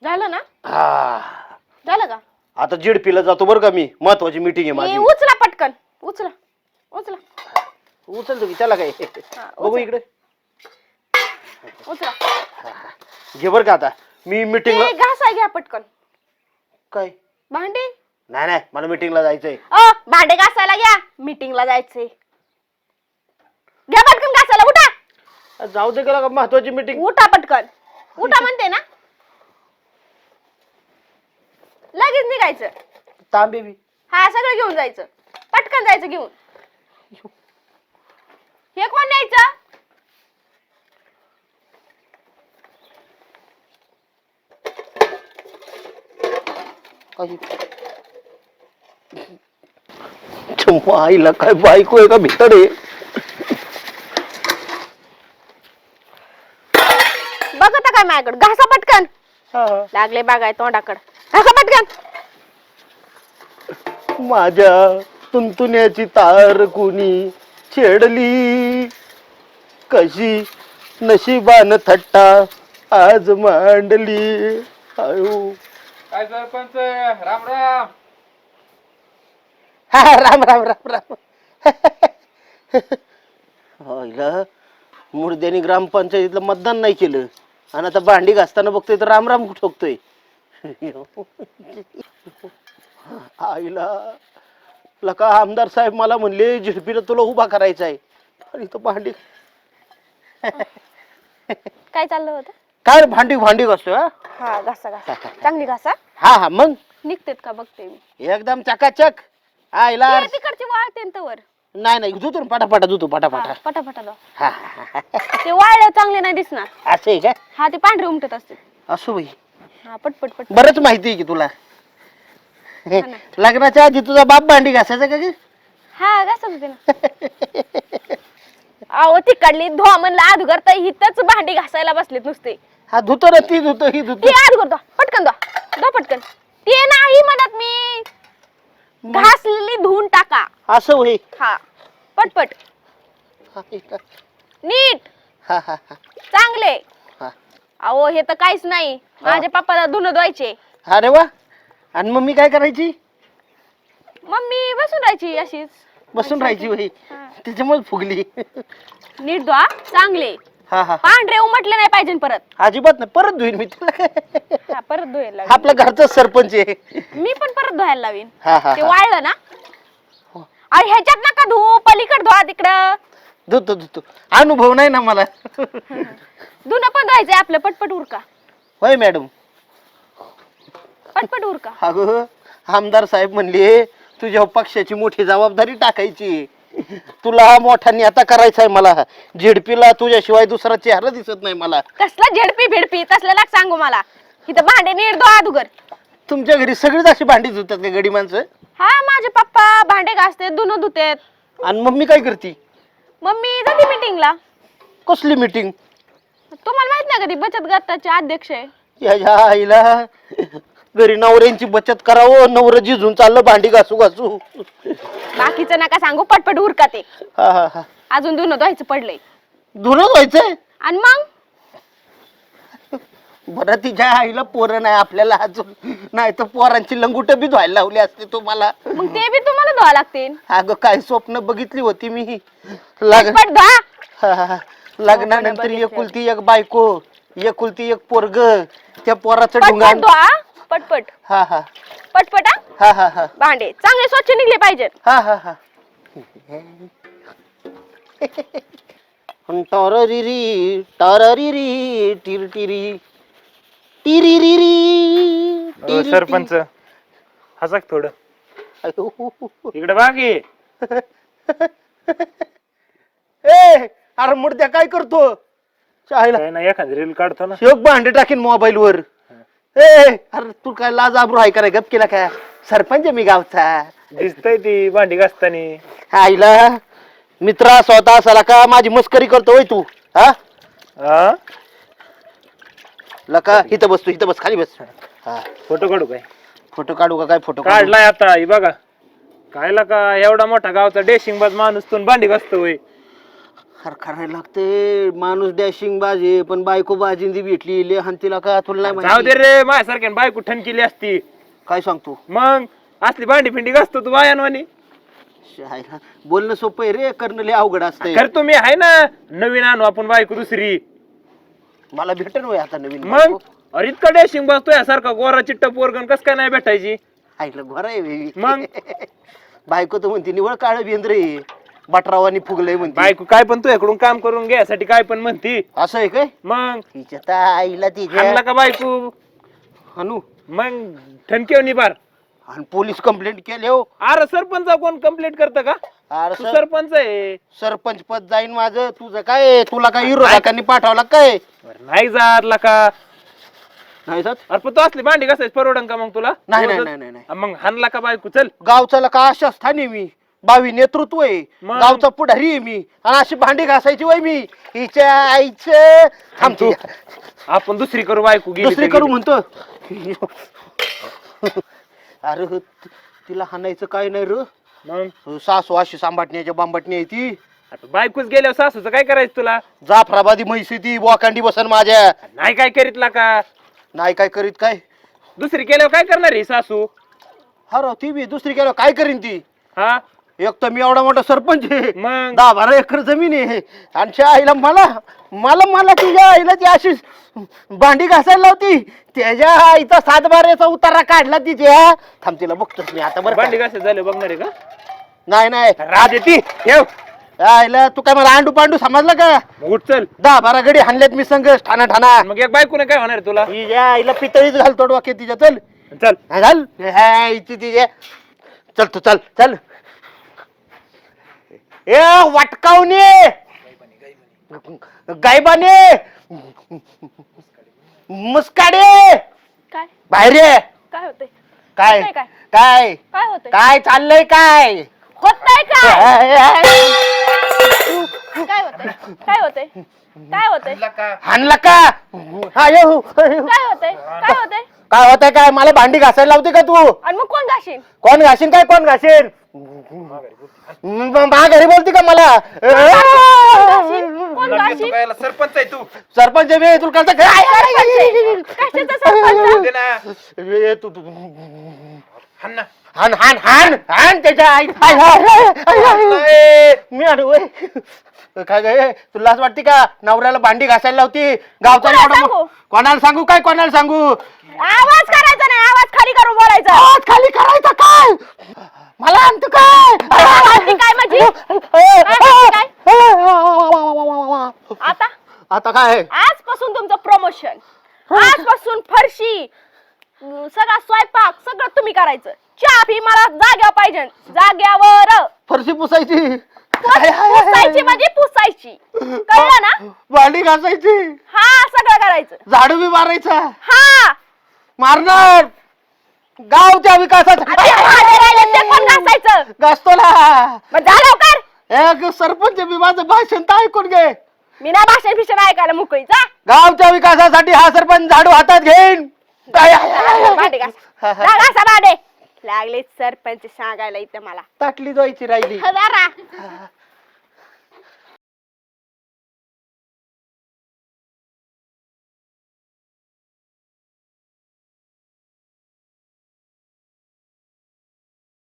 झालं ना? हा झालं का? आता जेडपीला जातो बरं का मी, महत्वाची मीटिंग आहे माझी. उचला पटकन, उचला उचला. उचलतो की त्याला काय. बघू इकडे. उचला. घे बरं का आता मी मीटिंगला. घासा घ्या पटकन. काय भांडे? नाही नाही मला मीटिंगला जायचंय. भांडे घासायला घ्या, मीटिंगला जायचंय. घ्या पटकन घासायला. उठा. जाऊ दे का महत्वाची मीटिंग. उठा पटकन. उठा म्हणते ना. लगेच निघायचं. तांबे बी. हा सगळं घेऊन जायचं. पटकन जायचं घेऊन. हे कोण न्यायचं? आईला काय बायको आहे का भितर आहे. बघता काय माझ्याकडे. घासा पटकन. लागले बागाय तोंडाकडे. घासा पटकन. माझ्या तुंतुण्याची तार कुणी छेडली, कशी नशिबान थट्टा आज मांडली. आयो काय सरपंच, राम राम. हा राम राम राम राम. मुर्द्यानी ग्रामपंचायतीला मतदान नाही केलं आणि आता भांडी घासताना बघतोय तर राम राम ठोकतोय. आईला लका आमदार साहेब मला म्हणले झिडपीला तुला उभा करायचा आहे आणि तो भांडी. काय चाललं होतं? काय भांडी भांडी घासतोय. हा घासा घासा. चांगली घासा. हा हा मग निघतेत का बघते मी. एकदम चकाचक. आईला तिकडची वाळते तवर. नाही नाही धुतो पटापटा धुतो पटापटा. पटापटा दो. हा ते वाळल्यावर चांगले नाही दिसणार. असं आहे का? हा ते पांढरे उमटत असते. असो बाई हा पटपट पट. बरंच माहिती आहे की तुला. लग्नाच्या आधी तुझा बाप भांडी घासायचा का? हा घासत होते ना. अहो तिकडली धुवा म्हणलं आध करता हिथच भांडी घासायला बसलेत नुसते. हा धुतो ना ती धुतो ही धुतो. ती आध करतो पटकन दो पटकन. ते नाही म्हणत मी. घासलेली धुवून टाका. असं होई. हा पटपट नीट हा हा हा चांगले. हा. अहो हे तर काहीच नाही. माझ्या पप्पाला धुणं धुवायचे. अरे वा. आणि मम्मी काय करायची? मम्मी बसून राहायची अशीच. बसून राहायची बाई. त्याच्यामुळे फुगली. नीट धुवा चांगले. हा हा पांढरे उमटले नाही पाहिजे परत. अजिबात नाही. परत धुईन मी तुला. हा परत धुवायला लावीन. आपल्या घरचा सरपंच आहे. मी पण परत धुवायला लावीन. हा हा ते वाळलं ना. अरे ह्याच्यात नका धुवू. पलीकडे धुवा तिकडं. धुतो धुतो. अनुभव नाही ना मला. धुणं पण धुवायचंय आपलं. पटपट उरका. होय मॅडम. पटपट उरका. अगं आमदार साहेब म्हणले तुझ्या पक्षाची मोठी जबाबदारी टाकायची. तुला मोठा नेता करायचा आहे मला. झेडपीला तुझ्याशिवाय दुसरा चेहरा दिसत नाही मला. कसला झेडपी भिडपी तसलं लाग सांगू मला. इथं भांडे नीट धुवा अगोदर. तुमच्या घरी सगळीच अशी भांडी धुतात का गडी माणसं? हा माझे पप्पा भांडे घासते धुणं धुतेत. आणि मम्मी काय करती? मम्मी जाते मीटिंगला. कसली मीटिंग? तुम्हाला माहित नाही कधी बचत गटाचे अध्यक्ष आहे. याच्या आईला घरी नवऱ्यांची बचत करावं. नवरं जिजून चाललं भांडी घासू घासू. बाकीचं नका सांगू. पटपट उरका ते. हा हा हा. अजून धुणं धुवायचं पडलंय. धुणं व्हायचंय? आणि मग बरं तिच्या आईला पोरं नाही आपल्याला अजून. नाही तर पोरांची लंगुट बी धुवायला लावली असते तुम्हाला. मग ते बी तुम्हाला धुवा लागतील. अगं काय स्वप्न बघितली होती मी. पटपट धुवा. लग्नानंतर एकुलती एक बायको, एकुलती एक पोरग. त्या पोराचं पटपट ढुंगाण. धुवा. पटपट हा हा पटपट. हा हा हा भांडे चांगले स्वच्छ निघले पाहिजेत. हा हा हा. टॉररिरी टॉररिरी टिरटिरी टिरिरिरी. सरपंच हसा थोडं इकडे बाकी. ए अरे मुर्द्या काय करतो? चायला काय नाही एखादी रील काढतो ना. शेवक भांडे टाकीन मोबाईल वर. ए अरे तू काय लाज आबरू आहे का? गप केला काय? सरपंच मी गावचा. दिसतय ती भांडी घासतानी. आईला मित्रा स्वतः असाला का माझी मस्करी करतोय तू? हा लका इथं बस. तू इथं बस. खाली बस. हा फोटो काढू काय? फोटो काढू का? काय फोटो काढलाय आता ही बघा. काय का एवढा मोठा गावचा डेशिंग बाज माणूस तू भांडी घासतो होय. खरखरायला लागते. माणूस डॅशिंग बाजी पण बायको बाजिंदी भेटली ले तिला का तुला नाही जाऊ दे माहिती. रे माझ्यासारख्या बायको ठणकेली असती. काय सांगतो मग असली भांडी फिंडी घासतो तू बायांवानी. शायरा, बोलणं सोपं आहे रे, करणं लय अवघड असतंय. खरं तुम्ही आहे ना नवीन आणू आपण बायको दुसरी. मला भेटन होय आता नवीन मग बायको. अरे इतका डॅशिंग बसतोय सारखा गोरा चिट्टा पोरगण कस काय नाही भेटायची. आईला बरं आहे baby. मग? बायको तर म्हणते निवळ काळ बेंद्रे बटरावानी फुगलंय म्हणते. बायको काय पण तुझ्याकडून काम करून घ्यायसाठी काय पण म्हणती. असं आहे काय? मग तिच्या तर आईला तिच्या आणला का बायको हनू मग ठणकेव निभार. आणि पोलीस कंप्लेंट केले हो. अरे सरपंच कोण कंप्लेंट करतं का. अरे तू सरपंच आहे. सरपंच पद जाईन माझं. तुझं काय, तुला काय विरोधकांनी पाठवला काय? बरं, नाही जातला का. नाही जात. अरे पण तू असली भांडी घासायची परवडन का मग तुला. नाही नाही नाही नाही नाही. मग हाणला का बायको चल. गावचा का अशा स्थानी मी बावी नेतृत्व आहे, मग? गावचा पुढारी आहे मी, आणि अशी भांडी घासायची वय मी हिच्या आईचं. थांबतो आपण दुसरी करू बायको गेली दुसरी तर करू गेली. म्हणतो. अरे तिला हाणायचं काय नाही र. मग सासू अशी सांभाटण्याच्या बांबटणी आहे ती. आता बायकोच गेल्यावर सासूचं काय करायचं तुला. जाफराबादी म्हैसी ती बोकांडी बसन माझ्या. नाही काय करीतला का. नाही काय करीत काय. दुसरी केल्यावर काय करणार आहे सासू. हा राव, ती बी दुसरी केलं काय करीन ती. हा एक तर मी एवढा मोठा सरपंच आहे, मग 10-12 एकर जमीन आहे, आणि त्या आईला मला मला मला तुझ्या आईला ती अशी भांडी घासायला लावती. त्याच्या आईचा 7-12चा उतारा काढला तिच्या. थांब तिला बघतोच मी आता बरं भांडी का. घासायला झाले बघणार आहे का. नाही नाही राज येते ठेव. आईला तू काय मला आंडू पांडू समजला का. उठ चल. 10-12 गडी हाणल्यात मी संघ ठाणा ठाणा. मग एक बायकोने काय होणार आहे तुला. तिच्या आईला पितळीच घालतो डोक्यात तिच्या. चल चल हा, घाल इथे तिच्या. चल तू चल चल. ए वाटकावणे गायबाने मुस्काडे काय बाहेर ये. काय होतंय काय होतंय काय? काय काय होतंय काय चाललंय काय. होतंय काय काय होतंय काय होतंय काय होतंय हाणला का. हा ये हो. काय होतंय काय होतंय काय होतंय काय. मला भांडी घासायला लावते का तू. आणि मग कोण घाशीन कोण घासीन काय कोण घासीन. घरी बोलती का मला. कोण घाशीन सरपंच आहे तू. सरपंच मी तुला कसं कशाचा सरपंच दे ना. तू हाण ना. हान हान हान हान त्याच्या आई. मी आणू होय. काय गे तुला असं वाटते का नवऱ्याला भांडी घासायला लावती गावचा कोणाला एवढा सांगू? कोणाला सांगू काय कोणाला सांगू. आवाज करायचा नाही आवाज खाली करून बोलायचा आवाज खाली करायचा काय. मला आणतो काय. आवाज काय माझी आता आता काय आजपासून तुमचं प्रमोशन आजपासून फरशी सगळा स्वयंपाक सगळं तुम्ही करायचं चहा पी मला जाग्यावर पाहिजे जाग्यावर फरशी पुसायची पुसायची म्हणजे पुसायची कळलं ना भांडी घासायची हा सगळं करायचं झाडू बी मारायचा हा मारणार गावच्या विकासात आता ते भांडे राहिले ते कोण घासायचं घासतो ना. मग झालं लवकर एक सरपंच बी माझं भाषण तर ऐकून घे. मी ना भाषण फिषण ऐकायला मोकळी जा गावच्या विकासासाठी हा सरपंच झाडू हातात घेईन. भांडे घासा जा, घासा भांडे लागले सरपंच सांगायला इथं मला ताटली जायची राहिली. जरा